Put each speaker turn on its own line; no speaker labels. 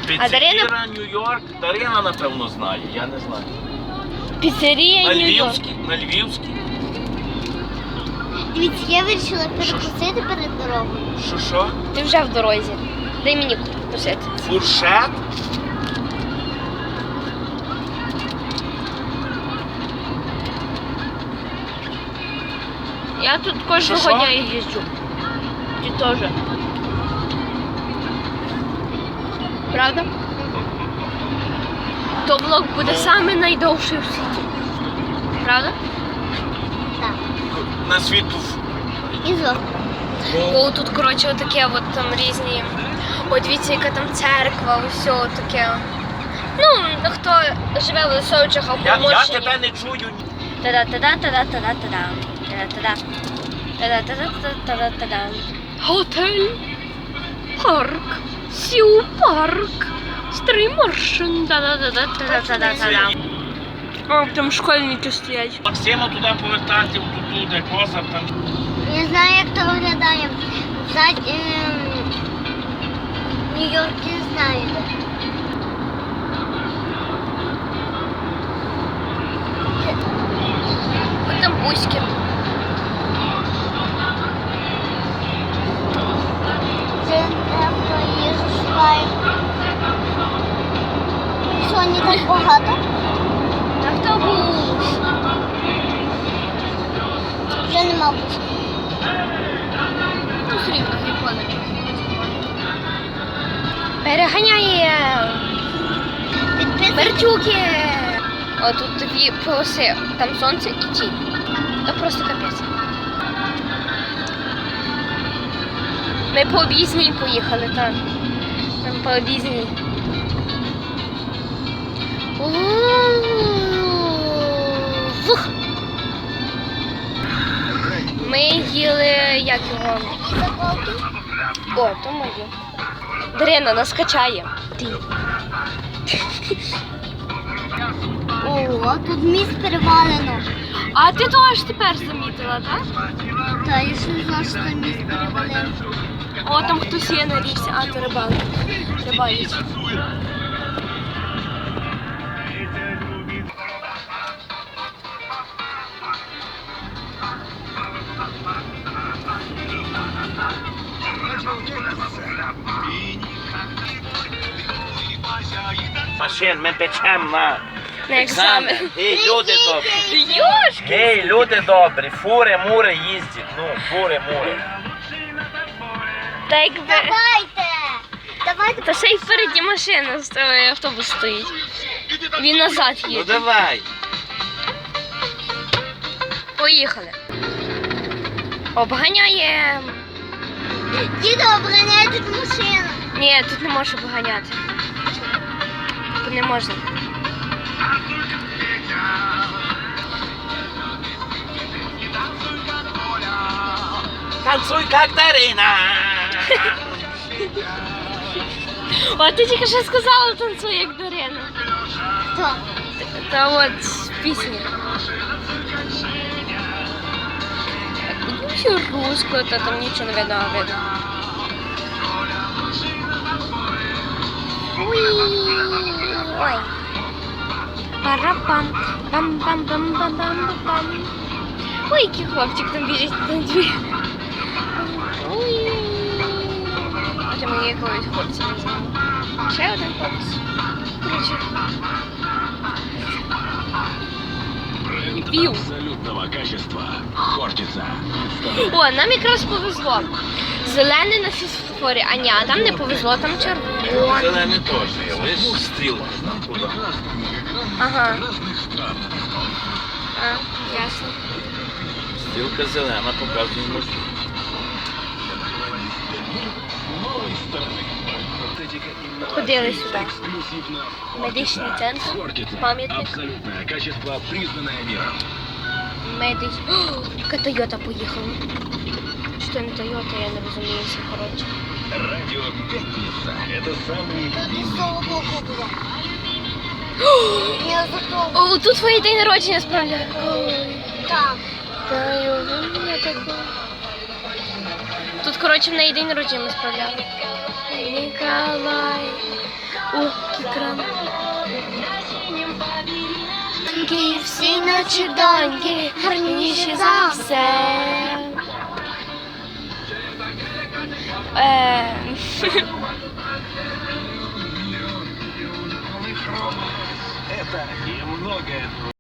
Піцерія Нью-Йорк. Дарина, напевно, знає, я не знаю.
Піцерія Нью-Йорк.
На Львівській.
Дивіться, я вирішила перекусити перед дорогою.
Що?
Ти вже в дорозі. Дай мені кусити.
Фуршет?
Я тут кожного
Що?
дня їжджу. Ти теж. Правда? То влог буде саме найдовший в світі. Правда?
Так.
На світу.
І зор.
Бо тут, коротше, отаке от там різні. О, дивіться, яка там церква, усе таке. Ну, хто живе в Лисовичах або
Я
Моршині.
тебе не чую.
Та-да-та-да-та-да-та-да-та-да. Та-да-та-да. Та-да-та-да-та-да-та-да. Готель. Парк. Сіу парк. Старий Моршин. Та-да-та-да-та-да-та-да. О, там школьники стоять.
Максима туди повертати, туди, де козар там.
Я знаю, як то виглядає. Нью-Йорк не знаю.
Ось там бузьки.
Це хто їжу шукає. Сьогодні так багато.
Автобус.
Вже нема бути.
Ну, все рівно, ніколи. Переганяє. Мерчуки. О, тут дві полоси. Там сонце і тінь. То просто капець. Ми по об'їзній поїхали, так. Там по об'їзній. Фух. Ми їли, як його?
Заколки.
О, то моє. Дарина нас качає. Ти.
О, тут міст перевалено.
А ти то аж тепер замітила, так?
Та я ще не знала, що там міст перевалено.
О, там хтось є на річці, а то рибалить. Рибалить.
Машин, ми печемо на
На екзамен.
Гей, люди добрі.
Йошки!
Гей, люди добрі. Фури, мури їздять. Ну, фури, мури.
Та якби...
Давайте.
Та ще й впереді машина, автобус стоїть. Він назад
Ну
їде.
давай.
Поїхали. Обганяємо.
Діду, обганяй тут машину.
Ні, тут не можеш обганяти. Тут не можна.
Танцуй, як Дарина.
О, ти тільки що сказала, танцюй як Дарина.
Хто?
Та от з пісні. Так, будемо ще русскою, то там нічого не видно, а видно. Ой. Парапам. Пам-пам-пам-пам-пам-пам. Ой, який хлопчик там біжить на дві. Ой. Хоча мені якогось хлопця не знаю. Ще один хлопець. Короче. Пів.
Абсолютного качества. Хортица.
О, нам якраз повезло. Зелений на фізфорі, а ні, а там не повезло, там червоний.
Зелений теж є. Лиш стрілка. Куди?
Ага. А, ясно.
Стрілка зелена показує маршрут.
Ходили сюди. Медичний центр, пам'ятник.
Абсолютное качество, признанное миром.
Медич. О, яка Тойота поїхала. Що не Тойота, я не розумію, все коротше.
Радио Пятница. Это самый
З того боку було. Я за того.
О, тут твій день народження справді.
Там.
Та й у мене таке. Тут, коротше, в неї день народження ми справляли. Ніколай. О, екран. Всі наші доньки гарніші за все.
Это и многое